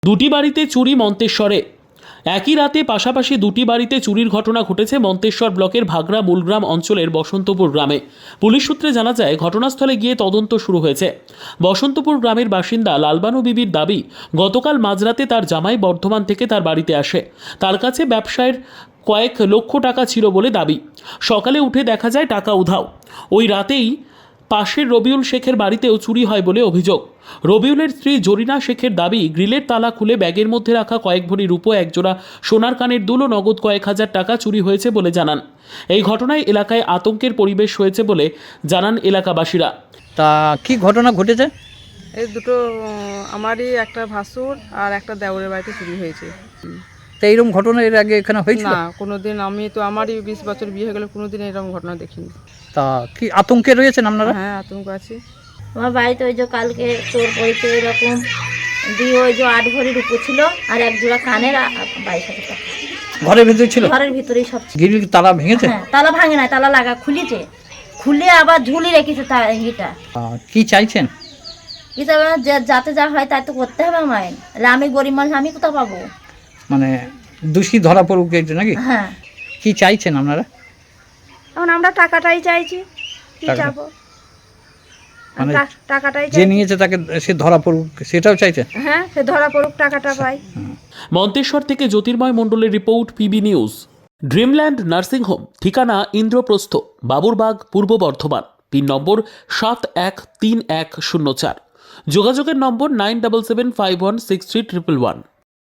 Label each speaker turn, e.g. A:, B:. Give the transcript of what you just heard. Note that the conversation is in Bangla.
A: দুটি বাড়িতে চুরি মন্তেশ্বরে। একই রাতে পাশাপাশি দুটি বাড়িতে চুরির ঘটনা ঘটেছে মন্তেশ্বর ব্লকের ভাগড়া মূলগ্রাম অঞ্চলের বসন্তপুর গ্রামে। পুলিশ সূত্রে জানা যায়, ঘটনাস্থলে গিয়ে তদন্ত শুরু হয়েছে। বসন্তপুর গ্রামের বাসিন্দা লালবানু বিবির দাবি, গতকাল মাঝরাতে তার জামাই বর্ধমান থেকে তার বাড়িতে আসে। তার কাছে ব্যবসায়ের কয়েক লক্ষ টাকা ছিল বলে দাবি। সকালে উঠে দেখা যায় টাকা উধাও। ওই রাতেই পাশের রবিউল শেখের বাড়িতেও চুরি হয় বলে অভিযোগ। রবিউলের স্ত্রী জরিনা শেখের দাবি, গ্রিলের তালা খুলে ব্যাগের মধ্যে রাখা কয়েক ভরি রূপো, একজোড়া সোনার কানের দুল ও নগদ কয়েক হাজার টাকা চুরি হয়েছে বলে জানান। এই ঘটনায় এলাকায় আতঙ্কের পরিবেশ হয়েছে বলে জানান এলাকাবাসীরা।
B: তা কি ঘটনা ঘটেছে?
C: এই দুটো আমারই একটা ভাসুর আর একটা দেওরের বাড়িতে চুরি হয়েছে।
B: তা এইরকম ঘটনা এর আগে এখানে হয়েছিল?
C: না, কোনোদিন আমি তো আমারই 20 বছর বিয়ে হয়ে গেল, কোনোদিন এরকম ঘটনা দেখিনি।
B: তা কি আতঙ্কে রয়েছেন আপনারা?
C: হ্যাঁ, আতঙ্ক আছে।
D: আমার বাড়িতে ওই যে কালকে চোর পড়েছে এরকম দিয়ে, ওই যে 8 ভরি রূপো ছিল আর এক জোড়া কানের 22,000 টাকা
B: ঘরের ভিতরে ছিল?
D: ঘরের ভিতরেই সব ছিল।
B: গ্রিল তালা ভেঙেছে?
D: হ্যাঁ, তালা ভাঙে না, তালা লাগা খুলেছে, খুলে আবার ঝুলি রেখেছে ইটা।
B: কি চাইছেন?
D: এটা যাতে যা হয় তাই তো করতে হবে আমায়। আমি গরিব মানুষ, আমি কোথা পাবো?
B: মানে দোষী ধরা পড়ুক এই নাকি?
D: হ্যাঁ।
B: কি চাইছেন আপনারা?
E: এখন আমরা টাকাটাই চাইছি, কি
B: টাকা?
E: চাবো?
B: মানে
E: টাকাটাই
B: যে
E: চাইছি।
B: নিয়েছে তাকে সে ধরা পড়ুক সেটাও চাইছেন?
E: হ্যাঁ, সে ধরা পড়ুক, টাকাটা পাই।
A: মন্তেশ্বর থেকে জ্যোতির্ময় মণ্ডলের report, PB news. Dreamland nursing home, ঠিকানা ইন্দ্রপ্রস্থ, বাবুরবাগ, পূর্ব বর্ধমান। পিন নম্বর 713104। যোগাযোগের নম্বর 9775163111।